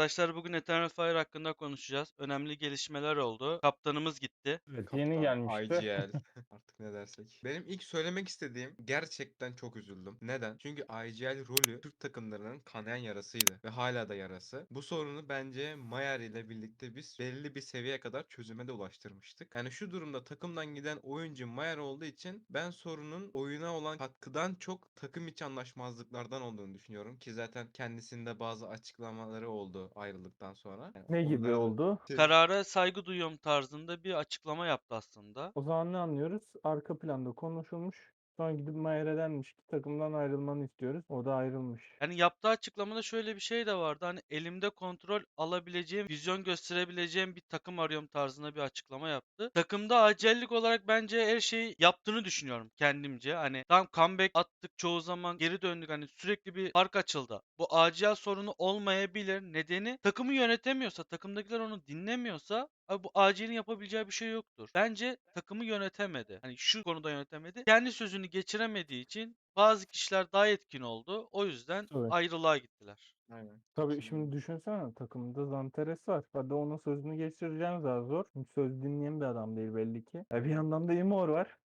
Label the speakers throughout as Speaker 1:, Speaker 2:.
Speaker 1: Arkadaşlar bugün Eternal Fire hakkında konuşacağız. Önemli gelişmeler oldu. Kaptanımız gitti.
Speaker 2: Evet, yeni
Speaker 3: Kaptan
Speaker 2: gelmişti.
Speaker 3: IGL artık ne dersek. Benim ilk söylemek istediğim gerçekten çok üzüldüm. Neden? Çünkü IGL rolü Türk takımlarının kanayan yarasıydı ve hala da yarası. Bu sorunu bence Mayer ile birlikte biz belli bir seviyeye kadar çözüme de ulaştırmıştık. Yani şu durumda takımdan giden oyuncu Mayer olduğu için ben sorunun oyuna olan katkıdan çok takım içi anlaşmazlıklardan olduğunu düşünüyorum ki zaten kendisinde bazı açıklamaları oldu ayrıldıktan sonra. Yani
Speaker 2: Ne gibi
Speaker 3: onları da
Speaker 2: oldu?
Speaker 1: Karara saygı duyuyorum tarzında bir açıklama yaptı aslında.
Speaker 2: O zaman ne anlıyoruz? Arka planda konuşulmuş. Sonra gidip Mayer'e denmiş ki takımdan ayrılmanı istiyoruz. O da ayrılmış.
Speaker 1: Yani yaptığı açıklamada şöyle bir şey de vardı. Hani elimde kontrol alabileceğim, vizyon gösterebileceğim bir takım arıyorum tarzında bir açıklama yaptı. Takımda acellik olarak bence her şeyi yaptığını düşünüyorum kendimce. Hani tam comeback attık çoğu zaman geri döndük. Hani sürekli bir fark açıldı. Bu acil sorunu olmayabilir. Nedeni takımı yönetemiyorsa, takımdakiler onu dinlemiyorsa abi bu acilin yapabileceği bir şey yoktur. Bence takımı yönetemedi. Hani şu konuda yönetemedi. Kendi sözünü geçiremediği için bazı kişiler daha etkin oldu. O yüzden
Speaker 2: Tabii.
Speaker 1: ayrılığa gittiler.
Speaker 3: aynen
Speaker 2: Tabii şimdi
Speaker 3: katılıyorum.
Speaker 2: düşünsene takımda Zanteres var. Hadi onun sözünü geçireceğim daha zor. Çünkü söz dinleyen bir adam değil belli ki. Bir yandan da Imor var.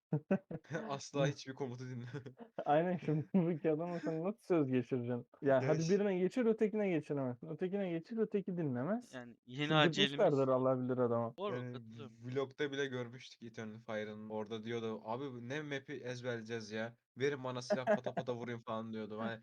Speaker 3: Asla hiçbir komutu dinle.
Speaker 2: Aynen şimdi bu iki adama sen nasıl söz geçireceksin? Ya
Speaker 3: Ya
Speaker 2: hadi birine geçir ötekine geçiremezsin. Ötekine geçir öteki dinlemez.
Speaker 1: Yani yeni
Speaker 2: Çıldırtmışlardır
Speaker 1: acelimiz
Speaker 2: Allah bilir adama.
Speaker 1: doğru
Speaker 3: yani
Speaker 1: katılıyorum.
Speaker 3: vlogda bile görmüştük Eternal Fire'ın. Orada diyordu abi ne map'i ezberleyeceğiz ya. Verin bana silah pata pata vurayım falan diyordu. Hani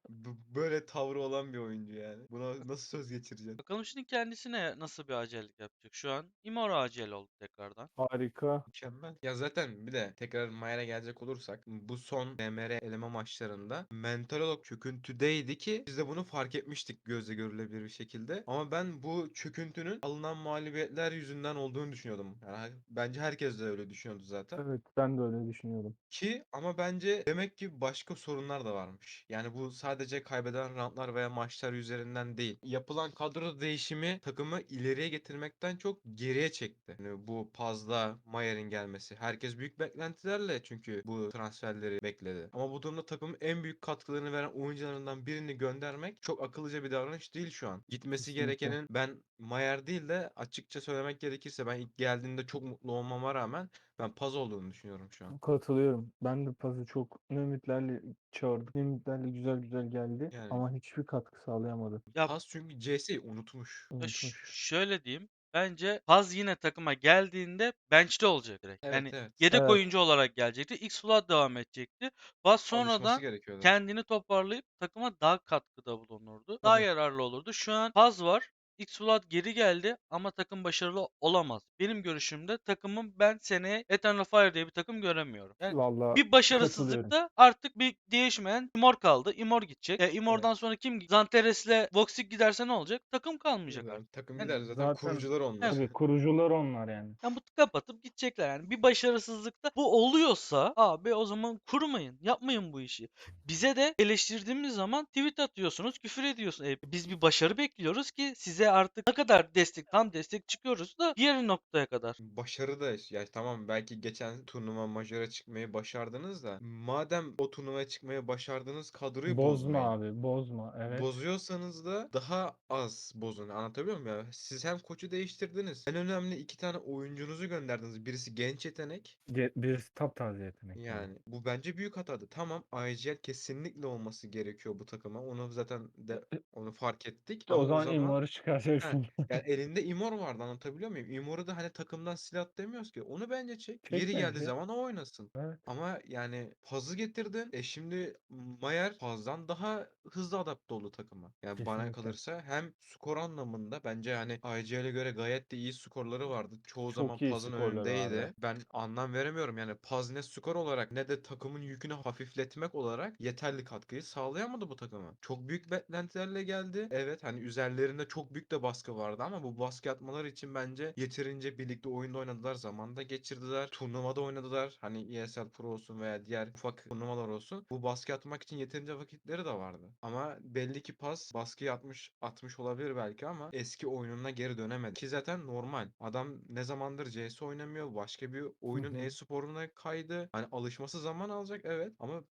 Speaker 3: böyle tavrı olan bir oyuncu yani. Buna nasıl söz geçireceksin?
Speaker 1: Bakalım şimdi kendisine nasıl bir acellik yapacak. Şu an Immortal acel oldu tekrardan.
Speaker 2: Harika.
Speaker 3: Mükemmel. Ya zaten bir de tekrar Mayer'e gelecek olursak bu son DMR eleme maçlarında mental olarak çöküntüdeydi ki biz de bunu fark etmiştik gözle görülebilir bir şekilde. Ama ben bu çöküntünün alınan mağlubiyetler yüzünden olduğunu düşünüyordum. Yani bence herkes de öyle düşünüyordu zaten.
Speaker 2: Evet ben de öyle düşünüyorum.
Speaker 3: Ki ama bence demek ki başka sorunlar da varmış. Yani bu sadece kaybeden roundlar veya maçlar üzerinden değil. Yapılan kadro değişimi takımı ileriye getirmekten çok geriye çekti. Yani bu Paz'la Mayer'in gelmesi. Herkes büyük beklentilerle çünkü bu transferleri bekledi. Ama bu durumda takımın en büyük katkılarını veren oyuncularından birini göndermek çok akıllıca bir davranış değil şu an. Gitmesi
Speaker 2: Kesinlikle.
Speaker 3: gerekenin ben Mayer değil de açıkça söylemek gerekirse ben ilk geldiğinde çok mutlu olmama rağmen ben Paz olduğunu düşünüyorum şu an.
Speaker 2: Katılıyorum. Ben de Paz'ı çok ne ümitlerle çağırdık. Ne ümitlerle güzel güzel geldi.
Speaker 3: Yani
Speaker 2: Ama hiçbir katkı sağlayamadı.
Speaker 1: Ya,
Speaker 3: Paz çünkü CS'yi unutmuş.
Speaker 2: Unutmuş.
Speaker 1: şöyle diyeyim. Bence Paz yine takıma geldiğinde bench'te olacak direkt.
Speaker 3: Evet
Speaker 1: Yani
Speaker 3: evet.
Speaker 1: yedek
Speaker 2: Evet.
Speaker 1: oyuncu olarak gelecekti. X-Flood devam edecekti. Paz
Speaker 3: Alışması
Speaker 1: sonradan
Speaker 3: gerekiyordu.
Speaker 1: kendini toparlayıp takıma daha katkıda bulunurdu. Daha
Speaker 2: Tabii.
Speaker 1: yararlı olurdu. Şu an Paz var. X-Flood geri geldi ama takım başarılı olamaz. Benim görüşümde takımın ben seneye Eternal Fire diye bir takım göremiyorum. Yani
Speaker 2: Valla
Speaker 1: bir
Speaker 2: katılıyorum.
Speaker 1: başarısızlıkta artık bir değişmeyen Imor kaldı. Imor gidecek.
Speaker 3: Evet.
Speaker 1: Imor'dan sonra kim? Zanteres'le Voxic giderse ne olacak? Takım kalmayacak
Speaker 3: Yani
Speaker 1: artık.
Speaker 3: takım
Speaker 1: Yani
Speaker 3: gider zaten
Speaker 2: Zaten
Speaker 3: kurucular onlar.
Speaker 1: he,
Speaker 2: tabii kurucular onlar yani.
Speaker 1: yani bu kapatıp gidecekler yani. Bir başarısızlıkta bu oluyorsa abi o zaman kurmayın. Yapmayın bu işi. Bize de eleştirdiğimiz zaman tweet atıyorsunuz, küfür ediyorsunuz. Biz bir başarı bekliyoruz ki size artık ne kadar destek, tam destek çıkıyoruz da diğer noktaya kadar.
Speaker 3: Başarı da ya tamam belki geçen turnuva majöre çıkmayı başardınız da madem o turnuvaya çıkmayı başardınız kadroyu
Speaker 2: Bozma
Speaker 3: bozmayın.
Speaker 2: abi, bozma. Evet.
Speaker 3: Bozuyorsanız da daha az bozun. Anlatabiliyor muyum ya? Siz hem koçu değiştirdiniz. En önemli iki tane oyuncunuzu gönderdiniz. Birisi genç yetenek.
Speaker 2: Birisi taptaze yetenek bir de.
Speaker 3: Yani bu bence büyük hatadı. Tamam IGL kesinlikle olması gerekiyor bu takıma. Onu zaten de onu fark ettik.
Speaker 2: O
Speaker 3: Ama o
Speaker 2: zaman
Speaker 3: zaman
Speaker 2: Immo'yu
Speaker 3: he,
Speaker 2: çıkaracaksın.
Speaker 3: yani elinde Imor vardı anlatabiliyor muyum? Imor'u da hani takımdan silah demiyoruz ki. Onu bence çek.
Speaker 2: Çek
Speaker 3: Yeri geldiği
Speaker 2: bence.
Speaker 3: zaman o oynasın.
Speaker 2: Evet.
Speaker 3: Ama yani Paz'ı getirdin. Şimdi Mayer Paz'dan daha hızlı adapte oldu takıma. Yani bana
Speaker 2: Kesinlikle.
Speaker 3: kalırsa hem skor anlamında bence hani IGL'e göre gayet de iyi skorları vardı. Çoğu zaman
Speaker 2: Çok iyi
Speaker 3: Paz'ın
Speaker 2: skorları vardı.
Speaker 3: önündeydi. Ben anlam veremiyorum. Yani Paz ne skor olarak ne de takımın yükünü hafifletmek olarak yeterli katkıyı sağlayamadı bu takıma. Çok büyük beklentilerle geldi. Evet hani üzerlerinde çok büyük de baskı vardı ama bu baskı atmaları için bence yeterince birlikte oyunda oynadılar. Zamanda geçirdiler. Turnuvada oynadılar. Hani ESL Pro olsun veya diğer ufak turnuvalar olsun. Bu baskı atmak için yeterince vakitleri de vardı. Ama belli ki Paz baskıyı atmış olabilir belki ama eski oyununa geri dönemedi. Ki zaten normal. Adam ne zamandır CS oynamıyor. Başka bir
Speaker 2: Hı
Speaker 3: oyunun
Speaker 2: hı.
Speaker 3: e-sporuna kaydı. Hani alışması zaman alacak evet ama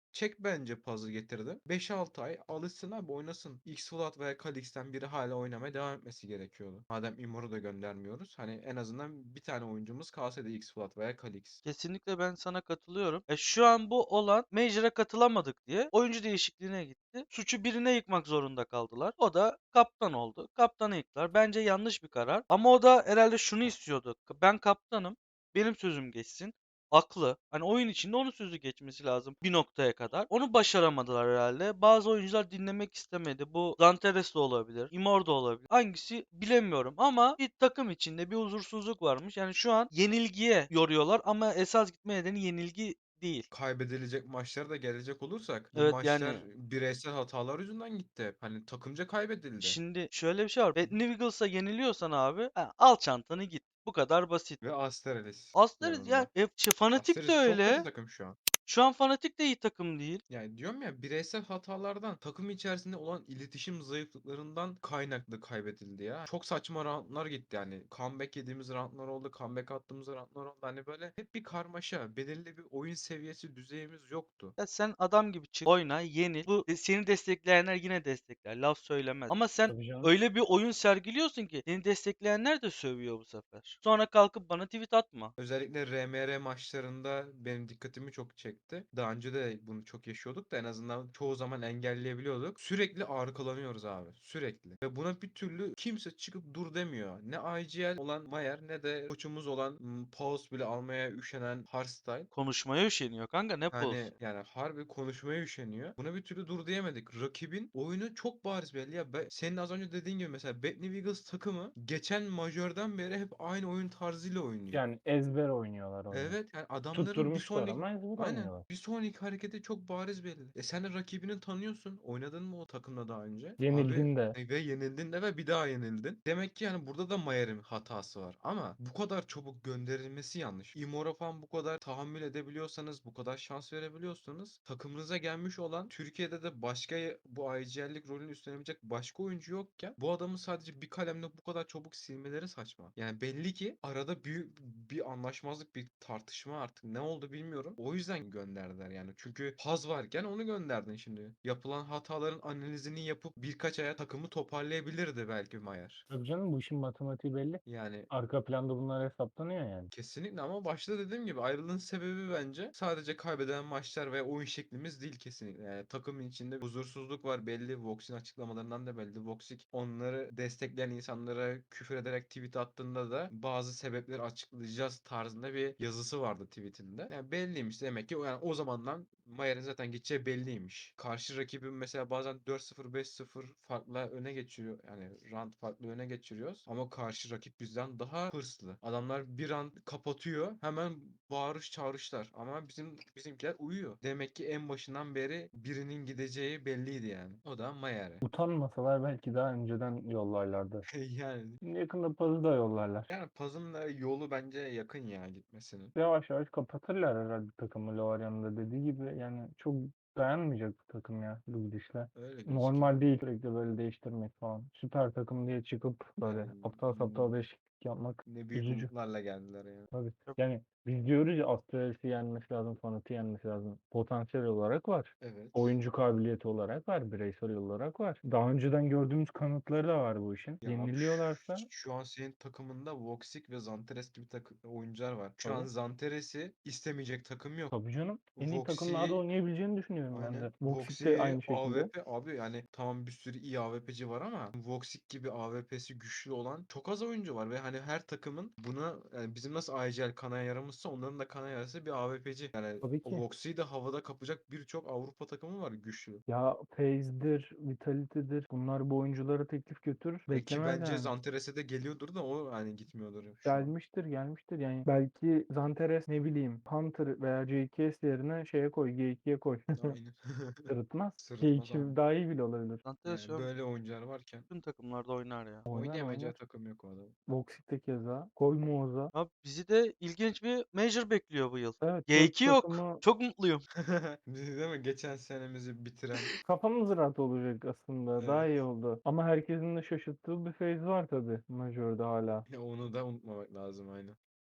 Speaker 3: Çek bence puzzle getirdi. 5-6 ay alışsın abi, oynasın. X-Flood veya Kalix'ten biri hala oynamaya devam etmesi gerekiyordu. Madem Immor'u da göndermiyoruz. Hani en azından bir tane oyuncumuz kalsaydı X-Flood veya Kalix.
Speaker 1: Kesinlikle ben sana katılıyorum. Şu an bu olan Major'a katılamadık diye oyuncu değişikliğine gitti. Suçu birine yıkmak zorunda kaldılar. O da kaptan oldu. Kaptanı yıktılar. Bence yanlış bir karar. Ama o da herhalde şunu istiyordu. Ben kaptanım. Benim sözüm geçsin. Haklı. Hani oyun içinde onun sözü geçmesi lazım bir noktaya kadar. Onu başaramadılar herhalde. Bazı oyuncular dinlemek istemedi. Bu Zanteres de olabilir. Immor da olabilir. Hangisi bilemiyorum ama bir takım içinde bir huzursuzluk varmış. Yani şu an yenilgiye yoruyorlar ama esas gitme nedeni yenilgi değil.
Speaker 3: Kaybedilecek maçlara da gelecek olursak, bu
Speaker 1: Evet
Speaker 3: maçlar
Speaker 1: yani
Speaker 3: bireysel hatalar yüzünden gitti hep. Hani takımca kaybedildi.
Speaker 1: şimdi şöyle bir şey var. Bad New Eagles'a yeniliyorsan abi al çantanı git. Bu kadar basit.
Speaker 3: Ve Astralis
Speaker 1: Aslında ya
Speaker 3: yanında.
Speaker 1: Fanatik de
Speaker 3: Astralis çok kötü
Speaker 1: öyle.
Speaker 3: takım şu an.
Speaker 1: Şu an Fanatik de iyi takım değil.
Speaker 3: Yani diyorum ya, bireysel hatalardan, takım içerisinde olan iletişim zayıflıklarından kaynaklı kaybedildi ya. Çok saçma roundlar gitti yani. Comeback yediğimiz roundlar oldu. Comeback attığımız roundlar oldu. Hani böyle hep bir karmaşa. Belirli bir oyun seviyesi, düzeyimiz yoktu.
Speaker 1: Ya sen adam gibi çık, oyna, yenil. Seni destekleyenler yine destekler. Laf söylemez. Ama sen
Speaker 2: Tabii canım.
Speaker 1: öyle bir oyun sergiliyorsun ki seni destekleyenler de sövüyor bu sefer. Sonra kalkıp bana tweet atma.
Speaker 3: Özellikle RMR maçlarında benim dikkatimi çok çekti. Daha önce de bunu çok yaşıyorduk da en azından çoğu zaman engelleyebiliyorduk. Sürekli arkalanıyoruz abi. Sürekli. Ve buna bir türlü kimse çıkıp dur demiyor. Ne IGL olan Mayer ne de koçumuz olan pause bile almaya üşenen Hardstyle.
Speaker 1: Konuşmaya üşeniyor kanka ne
Speaker 3: Hani
Speaker 1: poz.
Speaker 3: yani harbi konuşmaya üşeniyor. Buna bir türlü dur diyemedik. Rakibin oyunu çok bariz belli ya. Senin az önce dediğin gibi mesela Bad New Eagles takımı geçen majörden beri hep aynı oyun tarzıyla oynuyor.
Speaker 2: Yani ezber oynuyorlar oyunu.
Speaker 3: Evet, yani adamların bir
Speaker 2: Tutturmuşlar
Speaker 3: sonraki,
Speaker 2: ama ezber
Speaker 3: aynen,
Speaker 2: oynuyorlar.
Speaker 3: bir sonraki hareketi çok bariz belli. Sen de rakibini tanıyorsun. Oynadın mı o takımla daha önce? Abi
Speaker 2: Yenildin de.
Speaker 3: ve yenildin de ve bir daha yenildin. Demek ki yani burada da Mayer'in hatası var. Ama bu kadar çabuk gönderilmesi yanlış. Immor'a falan bu kadar tahammül edebiliyorsanız, bu kadar şans verebiliyorsanız, takımınıza gelmiş olan, Türkiye'de de başka bu IGL'lik rolünü üstlenebilecek başka oyuncu yokken bu adamı sadece bir kalemle bu kadar çabuk silmeleri saçma. Yani belli ki arada büyük bir anlaşmazlık, bir tartışma, artık ne oldu bilmiyorum. O yüzden gönderdiler yani. Çünkü Haz varken onu gönderdin şimdi. Yapılan hataların analizini yapıp birkaç aya takımı toparlayabilirdi belki Mayer.
Speaker 2: Tabii canım, bu işin matematiği belli.
Speaker 3: Yani
Speaker 2: Arka planda bunlar hesaplanıyor yani.
Speaker 3: kesinlikle, ama başta dediğim gibi ayrılığın sebebi bence sadece kaybeden maçlar ve oyun şeklimiz değil kesinlikle. Yani takımın içinde huzursuzluk var belli. Vox'in açıklamalarından da belli. Voxic onları destekleyen insanlara küfür ederek tweet attığında da bazı sebepleri açıklayacağız tarzında bir yazısı vardı tweetinde. Yani belliymiş demek ki. Yani o zamandan Mayer'in zaten gideceği belliymiş. Karşı rakibin mesela bazen 4-0 5-0 farkla öne geçiriyor. Yani round farklı öne geçiriyoruz. Ama karşı rakip bizden daha hırslı. Adamlar bir round kapatıyor. Hemen bağırış çağrışlar. Ama bizimkiler uyuyor. Demek ki en başından beri birinin gideceği belliydi yani. O da Mayer.
Speaker 2: Utanmasalar belki daha önceden yollarlardı.
Speaker 3: Yani
Speaker 2: Şimdi yakında pazı da yollarlar.
Speaker 3: yani Paz'ın da yolu bence yakın ya gitmesinin.
Speaker 2: Yavaş yavaş kapatırlar herhalde takımı, Lovaryan'ın da dediği gibi. Yani çok dayanmayacak bu takım ya bu gidişle.
Speaker 3: Öyle gözüküyor.
Speaker 2: Normal değil sürekli böyle değiştirmek falan. Süper takım diye çıkıp böyle
Speaker 3: Yani
Speaker 2: aptal saptal değişiklik yapmak
Speaker 3: ne büyük
Speaker 2: üzücü.
Speaker 3: umutlarla geldiler ya.
Speaker 2: Tabii.
Speaker 1: Çok
Speaker 2: Yani biz diyoruz ya, Astralis'i yenmesi lazım, Fanat'ı yenmesi lazım. Potansiyel olarak var.
Speaker 3: Evet.
Speaker 2: Oyuncu kabiliyeti olarak var. Bireysel olarak var. Daha önceden gördüğümüz kanıtları da var bu işin.
Speaker 3: Ya abi
Speaker 2: Yeniliyorlarsa
Speaker 3: şu an senin takımında Voxic ve Zanteres gibi oyuncular var. Şu an
Speaker 2: tabii.
Speaker 3: Zanteres'i istemeyecek takım yok.
Speaker 2: Tabii canım. En iyi takımlarda
Speaker 3: Voxic'i,
Speaker 2: oynayabileceğini düşünüyorum ben
Speaker 3: aynen,
Speaker 2: de. Voxic de
Speaker 3: Voxic'i
Speaker 2: aynı şekilde.
Speaker 3: AWP abi, yani tamam bir sürü iyi AWP'ci var ama Voxic gibi AWP'si güçlü olan çok az oyuncu var ve hani her takımın buna, yani bizim nasıl IGL kanaya yaramışsa onların da kanaya yarası bir AWP'ci. Yani
Speaker 2: Tabii
Speaker 3: o
Speaker 2: ki.
Speaker 3: Voxic'i de havada kapacak birçok Avrupa takımı var güçlü.
Speaker 2: Ya FaZe'dir, Vitality'dir. Bunlar bu oyunculara teklif götürür.
Speaker 3: Ki
Speaker 2: Beklemez
Speaker 3: bence
Speaker 2: yani.
Speaker 3: Zanteres'e de geliyordur da o hani gitmiyordur şu an.
Speaker 2: Gelmiştir, gelmiştir. Yani belki Zanteres, ne bileyim, Hunter veya JKS yerine şeye koy, G2'ye koy.
Speaker 3: Aynen.
Speaker 2: Sırıtmaz.
Speaker 3: Sırıtmaz abi.
Speaker 2: G2 daha iyi bile olabilir.
Speaker 1: Zanteres şu
Speaker 3: Yani
Speaker 1: an
Speaker 3: böyle oyuncular varken
Speaker 1: bütün takımlarda oynar ya.
Speaker 2: Oynar
Speaker 3: oynayamayacağı
Speaker 2: oynar.
Speaker 3: takım yok o adam.
Speaker 2: Voxic de keza. Koy Muaz'a.
Speaker 1: Abi bizi de ilginç bir Major bekliyor bu yıl.
Speaker 2: Evet, 4
Speaker 1: G2 yok.
Speaker 2: takımı
Speaker 1: Çok mutluyum.
Speaker 3: Biz değil mi? Geçen senemizi bitiren.
Speaker 2: kafamız rahat olacak aslında. Daha
Speaker 3: Evet.
Speaker 2: iyi oldu. Ama herkesin de şaşırttığı bir phase var tabii Major'da hala.
Speaker 3: Onu da unutmamak lazım, aynen.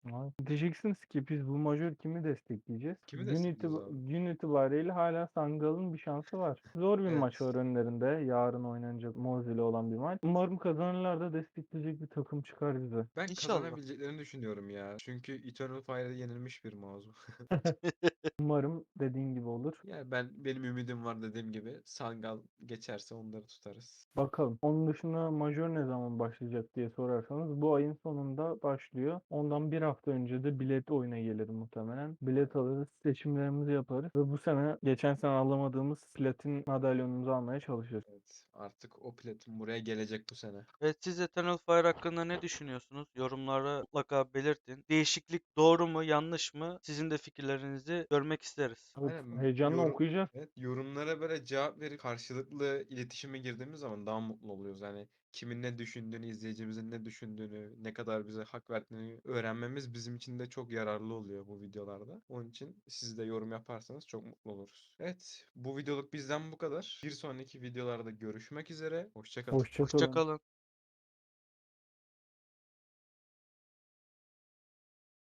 Speaker 2: Ay, diyeceksiniz ki biz bu majör kimi destekleyeceğiz?
Speaker 3: Kimi destekliyoruz abi?
Speaker 2: Gün itibariyle hala Sangal'ın bir şansı var. Zor bir maç
Speaker 3: Evet.
Speaker 2: var önlerinde. Yarın oynanacak Moz ile olan bir maç. Umarım kazanırlar da destekleyecek bir takım çıkar bize.
Speaker 3: Ben
Speaker 1: İnşallah.
Speaker 3: kazanabileceklerini düşünüyorum ya. Çünkü Eternal Fire'da yenilmiş bir mağaza.
Speaker 2: Umarım dediğin gibi olur.
Speaker 3: Yani benim ümidim var dediğim gibi. Sangal geçerse onları tutarız.
Speaker 2: Bakalım. Onun dışında majör ne zaman başlayacak diye sorarsanız bu ayın sonunda başlıyor. Ondan bir hafta önce de bilet oyuna gelir muhtemelen. Bilet alırız, seçimlerimizi yaparız ve bu sene geçen sene alamadığımız platin madalyonumuzu almaya çalışırız.
Speaker 3: Evet. Artık o platin buraya gelecek bu sene.
Speaker 1: Evet, siz Eternal Fire hakkında ne düşünüyorsunuz? Yorumlara mutlaka belirtin. Değişiklik doğru mu, yanlış mı? Sizin de fikirlerinizi görmek isteriz.
Speaker 2: Evet,
Speaker 3: Aynen
Speaker 2: heyecanla okuyacağız.
Speaker 3: evet, yorumlara böyle cevap verip karşılıklı iletişime girdiğimiz zaman daha mutlu oluyoruz. Yani kimin ne düşündüğünü, izleyicimizin ne düşündüğünü, ne kadar bize hak verdiğini öğrenmemiz bizim için de çok yararlı oluyor bu videolarda. Onun için siz de yorum yaparsanız çok mutlu oluruz. Evet, bu videoluk bizden bu kadar. Bir sonraki videolarda görüşmek üzere. Hoşça kalın.
Speaker 2: Hoşça
Speaker 1: Hoşça
Speaker 2: kalın.
Speaker 1: kalın.